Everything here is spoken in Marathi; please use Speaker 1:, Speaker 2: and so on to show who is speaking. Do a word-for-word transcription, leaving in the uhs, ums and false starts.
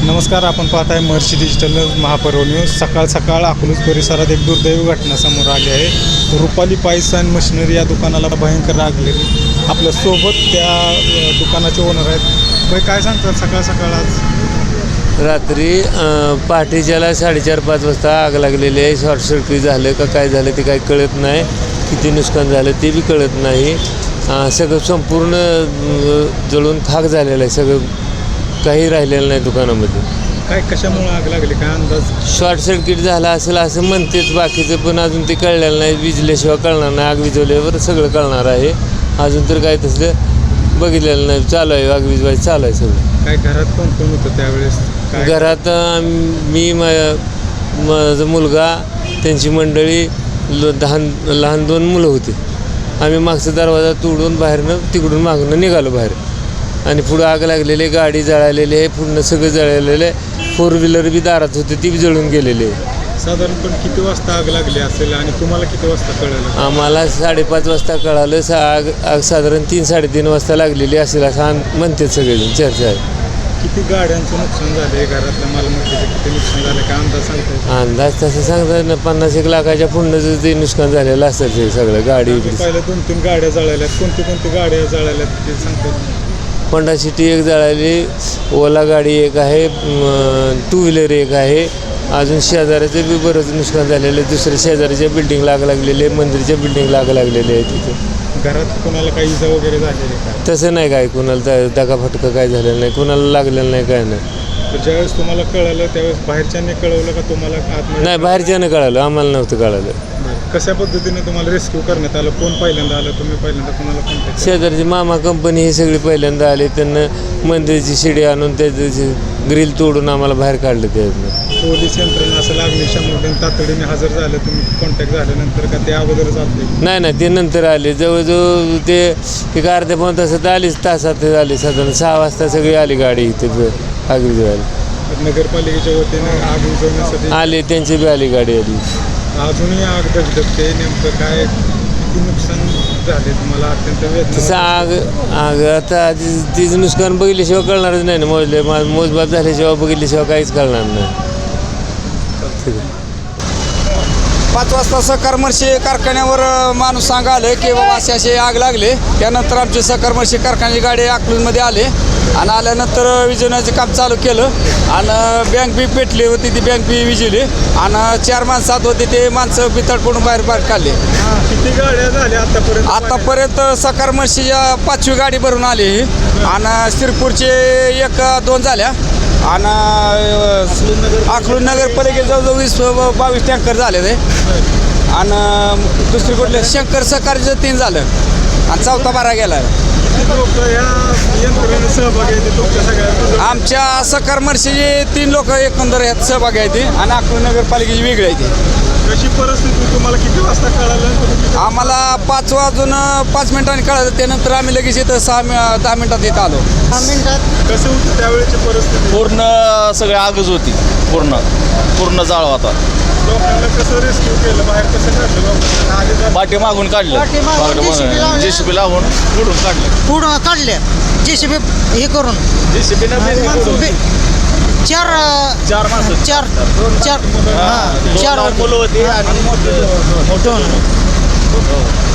Speaker 1: नमस्कार, आपण पाहत आहे महर्षी डिजिटल महापर्व न्यूज. सकाळ सकाळ अकलूज परिसरात एक दुर्दैवी घटना समोर आली आहे. रुपाली पाईस अँड मशिनरी या दुकानाला भयंकर आग लागली. आपल्या सोबत त्या दुकानाचे ओनर आहेत. भाई, काय सांगतात सकाळ सकाळ आज?
Speaker 2: रात्री पहाटेच्याला साडेचार पाच वाजता आग लागलेली आहे. शॉर्ट सर्किट झालं का काय झालं ते काही कळत नाही. किती नुकसान झालं ते बी कळत नाही. सगळं संपूर्ण जळून खाक झालेलं आहे. सगळं काही राहिलेलं नाही दुकानामध्ये.
Speaker 1: काय कशामुळे आग लागली, काय अंदाज?
Speaker 2: शॉर्ट सर्किट झाला असेल असं म्हणतेच, बाकीचं पण अजून ते कळलेलं नाही. विजल्याशिवाय कळणार नाही. आग विजवल्यावर सगळं कळणार आहे. अजून तर काय तसं बघितलेलं नाही. चालू आहे, आग विजवायचं चालू आहे सगळं.
Speaker 1: काय घरात कोण कोण होतं त्यावेळेस?
Speaker 2: घरात मी माझा मुलगा, त्यांची मंडळी, लहान लहान दोन मुलं होती. आम्ही मागचा दरवाजा तोडून बाहेरनं तिकडून मागणं निघालो बाहेर. आणि पुढं आग लागलेली, गाडी जळालेली आहे, पूर्ण सगळं जळालेलं आहे. फोर व्हीलर बी दारात होते, ती बी जळून गेलेली आहे.
Speaker 1: साधारणपणे किती वाजता आग लागली असेल आणि तुम्हाला किती वाजता कळलं?
Speaker 2: आम्हाला साडेपाच वाजता कळालं. सा आग आग साधारण तीन साडेतीन वाजता लागलेली असेल असं म्हणतात सगळेजण, चर्चा आहे.
Speaker 1: किती गाड्यांचं नुकसान झालं आहे, घरातल्या मालमत्तेचं किती नुकसान झालं, काय अंदाज सांगताय?
Speaker 2: अंदाज तसं सांगतात ना, पन्नास एक लाखाच्या पुढं ते नुकसान झालेलं असतं ते सगळं. गाडी
Speaker 1: पहिल्या दोन तीन गाड्या जळाल्यात. कोणती कोणती गाड्या जळाल्यात ते सांगतात?
Speaker 2: होंडा सिटी एक जळाली, ओला गाडी एक आहे, टू व्हीलर एक आहे. अजून शेजाऱ्याचं बी बरंच नुकसान झालेलं आहे. दुसऱ्या शेजाऱ्याच्या बिल्डिंगला आग लागलेली आहे, मंदिरच्या बिल्डिंगला आग लागलेली आहे. तिथे
Speaker 1: घरात कोणाला काही इजा वगैरे झालेली काय?
Speaker 2: तसं नाही, काय कुणाला दगाफटका काय झालेलं नाही, कुणाला लागलेलं नाही, काय नाही.
Speaker 1: तर ज्यावेळेस तुम्हाला कळालं त्यावेळेस बाहेरच्यांनी कळवलं का तुम्हाला? आतमध्ये
Speaker 2: नाही, बाहेरच्यानं कळालं, आम्हाला नव्हतं कळालं.
Speaker 1: कशा पद्धतीने तुम्हाला रेस्क्यू करण्यात आलं? कोण पहिल्यांदा आलं? तुम्ही पहिल्यांदा कोणाला कॉन्टॅक्ट?
Speaker 2: शेजारची मामा कंपनी ही सगळी पहिल्यांदा आली. त्यांना मंदिरची शिडी आणून त्याची ग्रिल तोडून आम्हाला बाहेर काढलं. त्यातनं
Speaker 1: पोलीस यंत्रणा असेल, अग्निशमन तातडीने हजर झालं. तुम्ही कॉन्टॅक्ट झाल्यानंतर का ते अगोदरच आले?
Speaker 2: नाही नाही, ते नंतर आले. जवळजवळ ते एक अर्ध्या पाऊण तासात आलीच, तासात आली. साधारण सहा वाजता सगळी आली गाडी इथे आग विझवायला.
Speaker 1: नगरपालिकेच्या वतीने आग विझवण्यासाठी
Speaker 2: आले, त्यांची बी आली, गाडी आली.
Speaker 1: अजूनही आग धगधगते. नेमकं काय किती नुकसान झाले तुम्हाला? अत्यंत वेदना.
Speaker 2: तसं आग आग आता तिचं नुकसान बघितल्याशिवाय कळणारच नाही ना. मोजले मोजबाब झाल्याशिवाय बघितल्याशिवाय काहीच कळणार नाही.
Speaker 3: पाच वाजता सहकारमर्शी कारखान्यावर माणूस सांगा आलं की बाबा असे असे आग लागले. त्यानंतर आमचे सहकारमर्शी कारखान्याची गाडी अकलूजमध्ये आले आणि आल्यानंतर विजवण्याचं काम चालू केलं. आणि बँक बी पेटली होती, ती बँक बी विजवली. आणि चार माणसं आत होते, ते माणसं बितड पडून बाहेर बाहेर काढले.
Speaker 1: किती गाड्या झाल्या आतापर्यंत?
Speaker 3: आतापर्यंत सहकारमर्शीच्या पाचवी गाडी भरून आली. आणि शिरपूरचे एक दोन झाल्या. आणि अकलूज नगरपालिकेत जवळजवळ वीस बावीस टँकर झाले ते. आणि दुसरी कुठले शंकर सहकारीचं तीन झालं आणि चौथा बारा गेला. आमच्या सहकारमर्शीचे तीन लोक एकंदर यात सहभागी आहेत आणि अकलूज नगरपालिकेची वेगळी आहे ती.
Speaker 1: कशी परिस्थिती? तुम्हाला किती वाजता कळालं?
Speaker 3: आम्हाला पाच वाजून पाच मिनिटांनी कळालं. त्यानंतर आम्ही लगेच इथं सहा दहा मिनिटात इथं आलो.
Speaker 4: दहा मिनिटात
Speaker 1: कसं होतं त्यावेळेची परिस्थिती?
Speaker 5: पूर्ण सगळी आगच होती. पूर्ण पूर्ण जाळ होता.
Speaker 1: लोकांना कसं रेस्क्यू केलं? बाहेर कसं काढलं?
Speaker 5: पाठी मागून काढलं,
Speaker 4: पाठीमागून J C B लावलं.
Speaker 5: जेसीबी लावून पुढून काढलं.
Speaker 4: पुढं काढले जेसीबी हे करून.
Speaker 5: जेसीबी
Speaker 4: चार
Speaker 5: चार माणसं,
Speaker 4: चार चार
Speaker 5: हा,
Speaker 4: हां
Speaker 5: दोन
Speaker 4: चार
Speaker 5: लहान मुलं होती आणि
Speaker 4: दोन.